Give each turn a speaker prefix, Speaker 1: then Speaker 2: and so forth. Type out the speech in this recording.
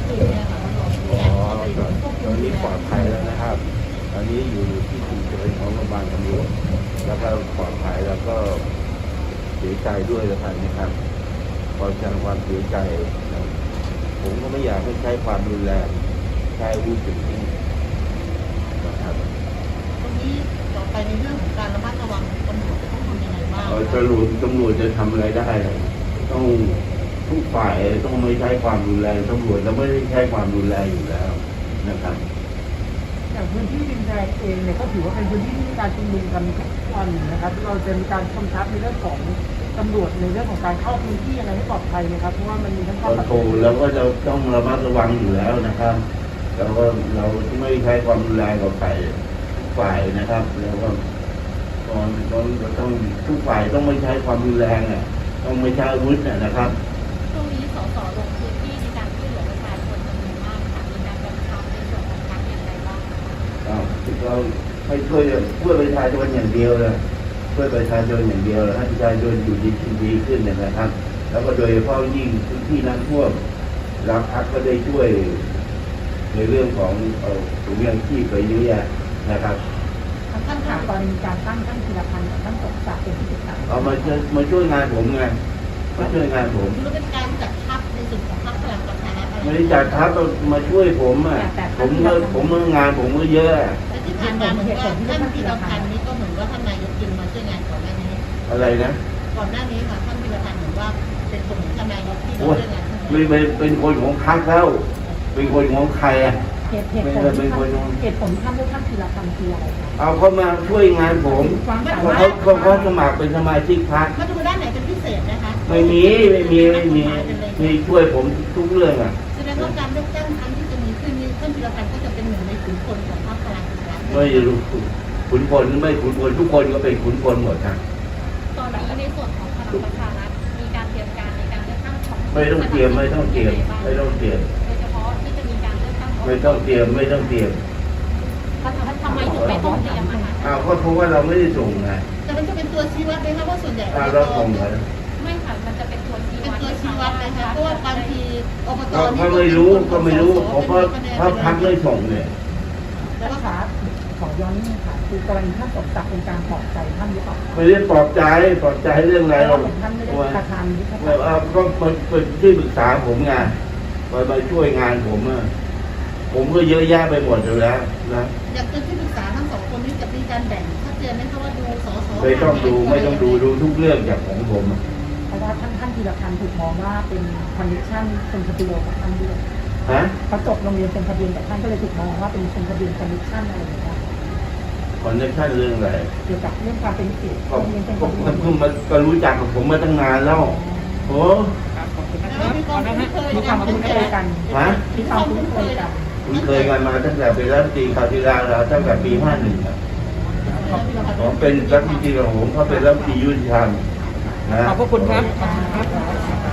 Speaker 1: คืนเนี่ยค่ะ
Speaker 2: ตอนนี้ปลอดภัยแล้วนะครับตอนนี้อยู่ที่ฉุกเฉินของโรงพยาบาลตำรวจแล้วก็ปลอดภัยแล้วก็เสียใจด้วยนะครับขอแสดงความเสียใจนะผมก็ไม่อยากให้ใช้ความรุนแรงใช้อาวุธถึงที่นะครับ
Speaker 1: ตรงนี้ต่อไปในเรื่องของการระมัดระวังตำรวจจะต้องทำยังไงบ้าง
Speaker 2: ตำรวจจะทำอะไรได้ต้องทุกฝ่ายต้องไม่ใช้ความรุนแรงตำรวจจะไม่ได้ใช้ความรุนแรงอยู่แล้วนะครับ
Speaker 3: อย่างพื้นที่ดินแดงเองเนี่ยก็ถือว่าเป็นพื้นที่ที่มีการชุมนุมกันทุกวันนะครับเราจะมีการกำชับในเรื่องของตำรวจในเรื่องของการเข้าพื้นที่อะไรให้ปลอดภัยนะครับเพราะว่ามันมีทั้งความ
Speaker 2: โอ้แล้วก็จะต้องระมัดระวังอยู่แล้วนะครับแล้วก็เราไม่ใช้ความรุนแรงกับฝ่ายนะครับแล้วก็ตอนต้องทุกฝ่ายต้องไม่ใช้ความรุนแรงต้องไม่ใช้อาวุธนะครับ
Speaker 4: ช่วงนี้สสลงพื้นที่ในการช่วยเหลือประชาชนจำนวนมากค่ะมีการกำชับในส่วนของพรรคอย่างไรบ้าง
Speaker 2: เราให้ช่วยประชาชนอย่างเดียวเลยช่วยประชาชนอย่างเดียวให้ประชาชนอยู่ดีขึ้นนะครับ แล้วก็โดยเฉพาะยิ่งพื้นที่น้ำท่วมรัฐก็ได้ช่วยในเรื่องของถุงยางชีพไปเยอะแยะนะครับ
Speaker 3: ท่านถามกรณีการตั้งท่านธีรพันธ์กับท่านสมศักดิ์เป็นที่ปรึกษา
Speaker 2: มาช่วยงานผมไงมาช่วยงานผม
Speaker 1: คือเป็นการจัดทัพในส่วนของพรรคพลังประชารัฐ
Speaker 2: ไม่ได้จัดทัพมาช่วยผมผมงานผมก็เยอะ
Speaker 1: แต่ที่ผ่านมาเหมือนว่าท่านธีรพันธ์นี้ก็เหมือนว่าท่านนายกจึงมาช่วยงานก่อนหน้านี้
Speaker 2: อะไรนะ
Speaker 1: ก่อนหน้านี้ค่ะท่านธีรพันธ์เหมือนว่าเป็นคนของท่านนายกที่มาช่วยงาน
Speaker 2: ไม่เป็นคนของพรรคแล้วเป็นคนของใคร
Speaker 3: เหตุผลท่านเลือกท่านธีรพันธ์คืออะไร
Speaker 2: เอาเขามาช่วยงานผมเขาสมัครเป็นสมาชิกพรรค
Speaker 1: มาดูด้านไหนเป็นพิเศษนะคะ
Speaker 2: ไม่มีช่วยผมทุกเรื่อง
Speaker 1: แสดงว่าการเลือกตั้งครั้งที่จะมีขึ้นนี้ท่านธีรพันธ์ก็จะเป็นหนึ่งในขุนพลของพรรคพลังประชารัฐ
Speaker 2: ไม่รู้ขุนพลไม่ขุนพลทุกคนก็เป็นขุนพลหมดนะ
Speaker 4: ตอนนี้ในส่วนของพลังประชารัฐมีการเตรียมการในการเลือกตั้งของ
Speaker 2: ไม่ต้องเตรียมโดยเฉพาะที่จะมีการเลือกตั้งไม่ต้องเตรียม
Speaker 4: ทำไมถึงไม่ต้องเตรียมคะ
Speaker 2: ก็เพราะว่าเราไม่ได้ส่งไง
Speaker 1: แต่มันจะเป็นตัวชี้วัดไหมคะว่าส่วนใหญ่
Speaker 2: เราส่งเหรอ
Speaker 4: ไม่ค่ะมันจะเป็นตัวชี้วัด
Speaker 1: นะคะเพราะว่าบางทีอบต
Speaker 2: ก็ไม่รู้เพราะพรรคไม่ส่งเนี่ย
Speaker 3: แล้วขาขอย้อนนี่ค่ะคือกรณีท่านสมศักดิ์เป็นการปลอบใจท่านหรือเปล่า
Speaker 2: ไม่ได้ปลอบใจเรื่องอะไร
Speaker 3: เราท่านไม่ได้ประธาน
Speaker 2: ก็เป็นที่ปรึกษาผมไงมาช่วยงานผมก็เยอะแยะไปหมดอยู่แล้วนะ
Speaker 1: อยากเป็นที่ปรึกษาทั้งสองคนนี้จะมีการแบ่งชัดเจนไหมคะว่าดูสส
Speaker 2: ไม่ต้องดูทุกเรื่องจากของผม
Speaker 3: เพราะว่าท่านธีรพันธ์ถูกมองว่าเป็นคอนเนคชั่นเป็นทะเบียนกับท่านด้วยเขาจบโรงเรียนเป็นทะเบียนกับท่านก็เลยถูกมองว่าเป็นทะเบียนคอนเนคชั่นอะไรอย่างเงี้ย
Speaker 2: คอนเนคชั่นเรื่องอะไร
Speaker 3: เกี่ยวกับเรื่องความเป็นศิษย์
Speaker 2: ก็รู้จักกับผมมาตั้งนานแล้วโอ้
Speaker 3: มีความคุ้นเคยกันมีความคุ้นเคยกัน
Speaker 2: คุ้นเคยกันมาตั้งแต่เป็นรัฐมนตรีคราวที่แล้วตั้งแต่ปี51ผมเป็นรัฐมนตรีของผมเขาเป็นรัฐมนตรียุติธรรม
Speaker 3: ขอบคุณครับ